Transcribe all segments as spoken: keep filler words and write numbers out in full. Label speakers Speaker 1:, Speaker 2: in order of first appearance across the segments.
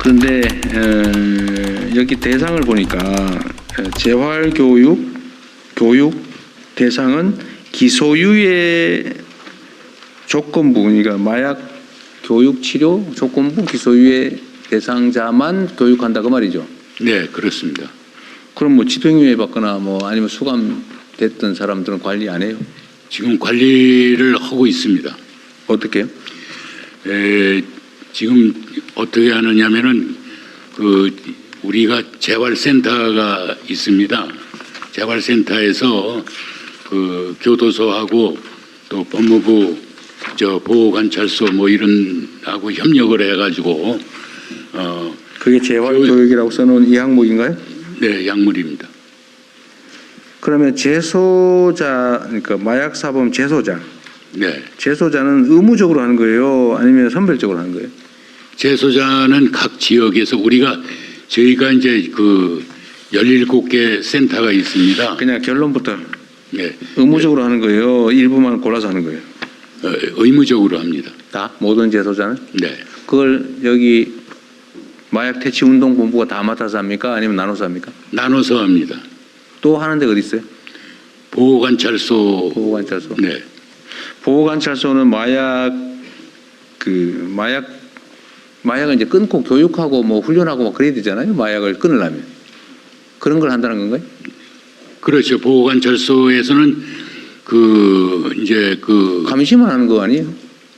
Speaker 1: 그런데 에, 여기 대상을 보니까 재활교육 교육 대상은 기소유예 조건부, 그러니까 마약 교육 치료 조건부 기소유예 대상자만 교육한다 그 말이죠.
Speaker 2: 네, 그렇습니다.
Speaker 1: 그럼 뭐 집행유예 받거나 뭐 아니면 수감됐던 사람들은 관리 안 해요?
Speaker 2: 지금 관리를 하고 있습니다.
Speaker 1: 어떻게요?
Speaker 2: 에, 지금 어떻게 하느냐면은 그 우리가 재활센터가 있습니다. 재활센터에서 그 교도소하고 또 법무부 저 보호관찰소 뭐 이런 하고 협력을 해가지고 어
Speaker 1: 그게 재활교육이라고 써놓은 이 항목인가요?
Speaker 2: 네, 약물입니다.
Speaker 1: 그러면 재소자, 그러니까 마약사범 재소자,
Speaker 2: 네,
Speaker 1: 재소자는 의무적으로 하는 거예요? 아니면 선별적으로 하는 거예요?
Speaker 2: 재소자는 각 지역에서 우리가 저희가 이제 그 열일곱 개 센터가 있습니다.
Speaker 1: 그냥 결론부터
Speaker 2: 네,
Speaker 1: 의무적으로 하는 거예요? 일부만 골라서 하는 거예요?
Speaker 2: 어, 의무적으로 합니다.
Speaker 1: 다? 모든 재소자는?
Speaker 2: 네,
Speaker 1: 그걸 여기 마약 퇴치 운동 본부가 다 맡아서 합니까? 아니면 나눠서 합니까?
Speaker 2: 나눠서 합니다.
Speaker 1: 또 하는 데가 어디 있어요?
Speaker 2: 보호관찰소.
Speaker 1: 보호관찰소.
Speaker 2: 네,
Speaker 1: 보호관찰소는 마약 그 마약 마약을 이제 끊고 교육하고 뭐 훈련하고 막 그래야 되잖아요. 마약을 끊으려면 그런 걸 한다는 건가요?
Speaker 2: 그렇죠. 보호관찰소에서는 그 이제 그
Speaker 1: 감시만 하는 거 아니에요?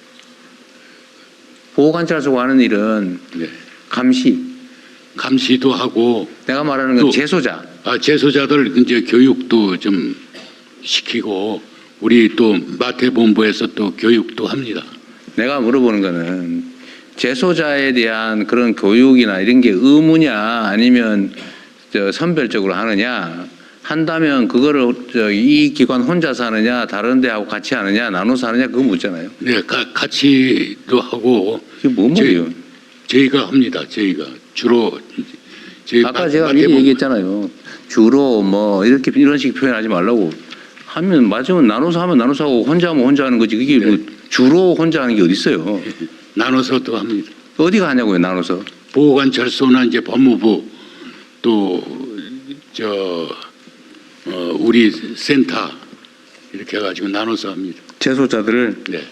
Speaker 1: 보호관찰소가 하는 일은
Speaker 2: 네,
Speaker 1: 감시.
Speaker 2: 감시도 하고
Speaker 1: 내가 말하는 건
Speaker 2: 또-
Speaker 1: 재소자.
Speaker 2: 아, 재소자들 이제 교육도 좀 시키고 우리 또 마태본부에서 또 교육도 합니다.
Speaker 1: 내가 물어보는 거는 재소자에 대한 그런 교육이나 이런 게 의무냐 아니면 저 선별적으로 하느냐 한다면 그거를 저 이 기관 혼자서 하느냐 다른 데하고 같이 하느냐 나눠서 하느냐 그거 묻잖아요.
Speaker 2: 네, 가, 같이도 하고
Speaker 1: 이게 뭔 말이에요?
Speaker 2: 저희, 저희가 합니다. 저희가 주로 저희
Speaker 1: 아까
Speaker 2: 마-
Speaker 1: 제가 미리
Speaker 2: 마태본부-
Speaker 1: 얘기했잖아요. 주로 뭐 이렇게 이런 식 표현하지 말라고. 하면 맞으면 나눠서 하면 나눠서 하고 혼자 하면 혼자 하는 거지. 그게 뭐
Speaker 2: 네.
Speaker 1: 주로 혼자 하는 게 어디 있어요?
Speaker 2: 나눠서도 합니다.
Speaker 1: 어디가 하냐고요, 나눠서.
Speaker 2: 보호관찰소나 이제 법무부 또 저 어, 우리 센터 이렇게 해가지고 나눠서 합니다.
Speaker 1: 재소자들을.
Speaker 2: 네.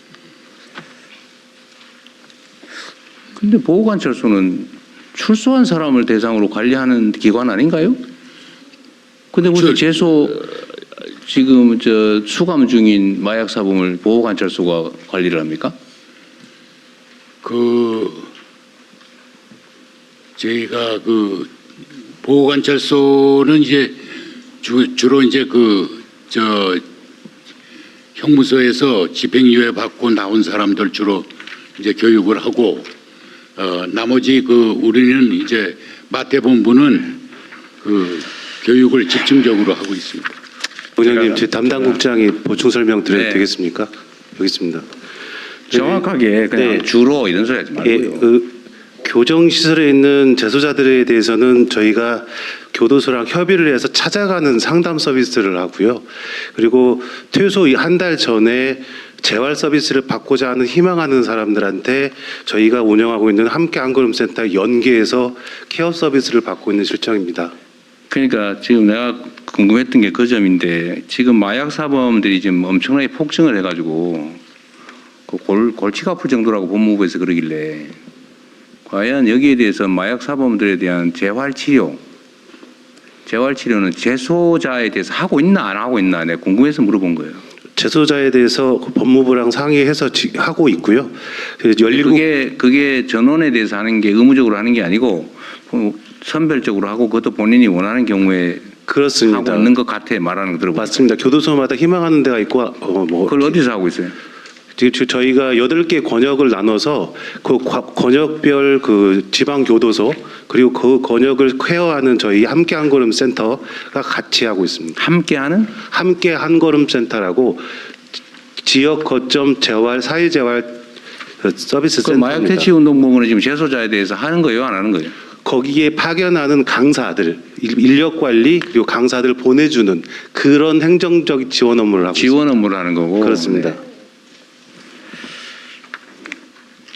Speaker 1: 근데 보호관찰소는 출소한 사람을 대상으로 관리하는 기관 아닌가요? 근데 무슨
Speaker 2: 저-
Speaker 1: 재소 지금 저 수감 중인 마약 사범을 보호관찰소가 관리를 합니까?
Speaker 2: 그 저희가 그 보호관찰소는 이제 주, 주로 이제 그 저 형무소에서 집행유예 받고 나온 사람들 주로 이제 교육을 하고 어 나머지 그 우리는 이제 마태본부는 그 교육을 집중적으로 하고 있습니다.
Speaker 3: 부장님, 제 담당 국장이 보충 설명 드려도
Speaker 1: 네.
Speaker 3: 되겠습니까? 여기 있습니다.
Speaker 1: 정확하게 그냥
Speaker 3: 네.
Speaker 1: 주로 이런 소리 하지
Speaker 3: 예,
Speaker 1: 말고요.
Speaker 3: 그 교정 시설에 있는 재소자들에 대해서는 저희가 교도소랑 협의를 해서 찾아가는 상담 서비스를 하고요. 그리고 퇴소 한 달 전에 재활 서비스를 받고자 하는 희망하는 사람들한테 저희가 운영하고 있는 함께 한걸음 센터 연계해서 케어 서비스를 받고 있는 실정입니다.
Speaker 1: 그러니까 지금 내가 궁금했던 게 그 점인데 지금 마약 사범들이 지금 엄청나게 폭증을 해가지고 그 골, 골치가 아플 정도라고 법무부에서 그러길래 과연 여기에 대해서 마약 사범들에 대한 재활 치료, 재활 치료는 재소자에 대해서 하고 있나 안 하고 있나 내가 궁금해서 물어본 거예요.
Speaker 3: 재소자에 대해서 법무부랑 상의해서 지- 하고 있고요. 그래서 열일곱
Speaker 1: 그게 그게 전원에 대해서 하는 게 의무적으로 하는 게 아니고 선별적으로 하고 그것도 본인이 원하는 경우에
Speaker 3: 그렇습니다.
Speaker 1: 하고 있는 것 같아 말하는 거 들어보니까.
Speaker 3: 맞습니다. 교도소마다 희망하는 데가 있고 어, 뭐
Speaker 1: 그걸 어디서 하고 있어요?
Speaker 3: 지금 저- 저희가 여덟 개 권역을 나눠서 그 과- 권역별 그 지방 교도소 그리고 그 권역을 케어하는 저희 함께 한 걸음 센터가 같이 하고 있습니다.
Speaker 1: 함께하는
Speaker 3: 함께 한 걸음 센터라고 지- 지역 거점 재활 사회 재활 그 서비스
Speaker 1: 그 마약
Speaker 3: 센터입니다.
Speaker 1: 퇴치 운동본부는 지금 재소자에 대해서 하는 거예요, 안 하는 거예요?
Speaker 3: 거기에 파견하는 강사들, 일- 인력 관리 그리고 강사들 보내주는 그런 행정적 지원 업무를 하고
Speaker 1: 지원 업무를 하는 거고.
Speaker 3: 있습니다. 그렇습니다.
Speaker 1: 네.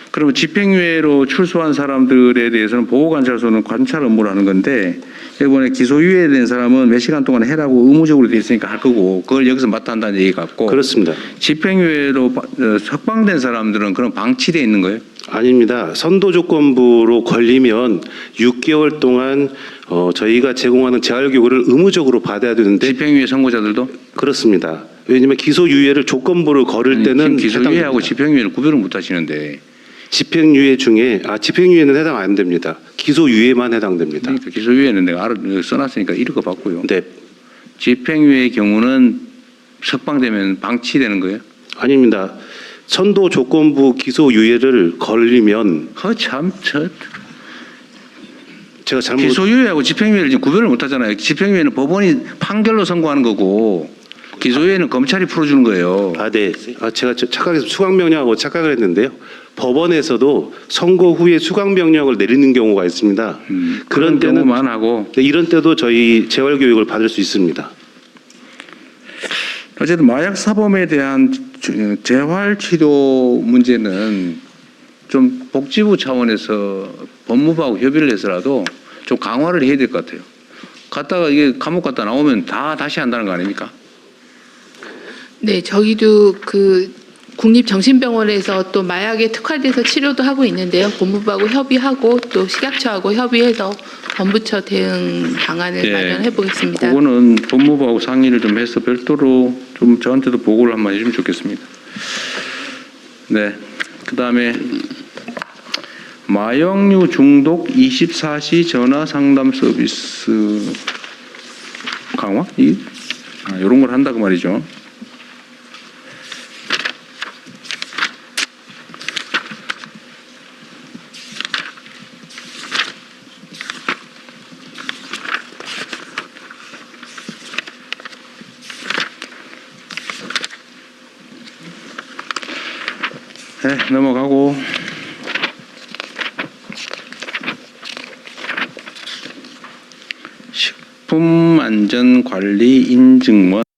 Speaker 1: 그러면 집행유예로 출소한 사람들에 대해서는 보호관찰소는 관찰 업무를 하는 건데 이번에 기소유예된 사람은 몇 시간 동안 해라고 의무적으로 돼 있으니까 할 거고 그걸 여기서 맡아 한다는 얘기 같고
Speaker 3: 그렇습니다.
Speaker 1: 집행유예로 바- 어, 석방된 사람들은 그런 방치돼 있는 거예요?
Speaker 3: 아닙니다. 선도 조건부로 걸리면 육 개월 동안 어, 저희가 제공하는 재활교육을 의무적으로 받아야 되는데
Speaker 1: 집행유예 선고자들도?
Speaker 3: 그렇습니다. 왜냐하면 기소유예를 조건부로 걸을
Speaker 1: 아니,
Speaker 3: 때는
Speaker 1: 지금 기소유예하고
Speaker 3: 해당됩니다.
Speaker 1: 집행유예를 구별을 못 하시는데
Speaker 3: 집행유예 중에 아 집행유예는 해당 안 됩니다. 기소유예만 해당됩니다.
Speaker 1: 그러니까 기소유예는 내가 알아 써놨으니까 읽어 봤고요.
Speaker 3: 네,
Speaker 1: 집행유예의 경우는 석방되면 방치되는 거예요?
Speaker 3: 아닙니다. 선도 조건부 기소유예를 걸리면
Speaker 1: 허참 저
Speaker 3: 제가 잘못
Speaker 1: 기소유예하고 집행유예를 지금 구별을 못 하잖아요. 집행유예는 법원이 판결로 선고하는 거고 기소유예는 검찰이 풀어주는 거예요.
Speaker 3: 아, 네. 아, 제가 저- 착각해서 수강명령하고 착각을 했는데요. 법원에서도 선고 후에 수강명령을 내리는 경우가 있습니다.
Speaker 1: 음,
Speaker 3: 그런
Speaker 1: 그런
Speaker 3: 때는
Speaker 1: 경우만 하고
Speaker 3: 네, 이런 때도 저희 재활교육을 받을 수 있습니다.
Speaker 1: 어쨌든 마약 사범에 대한 주- 재활치료 문제는 좀 복지부 차원에서 법무부하고 협의를 해서라도 좀 강화를 해야 될 것 같아요. 갔다가 이게 감옥 갔다 나오면 다 다시 한다는 거 아닙니까?
Speaker 4: 네, 저희도 그 국립정신병원에서 또 마약에 특화돼서 치료도 하고 있는데요. 법무부하고 협의하고 또 식약처하고 협의해서 범부처 대응 방안을
Speaker 1: 예.
Speaker 4: 마련해 보겠습니다.
Speaker 1: 그거는 법무부하고 상의를 좀 해서 별도로 좀 저한테도 보고를 한번 해주면 좋겠습니다. 네. 그 다음에 마약류 중독 이십사 시 전화 상담 서비스 강화? 이, 아, 이런 걸 한다고 말이죠. 네, 넘어가고 식품안전관리 인증원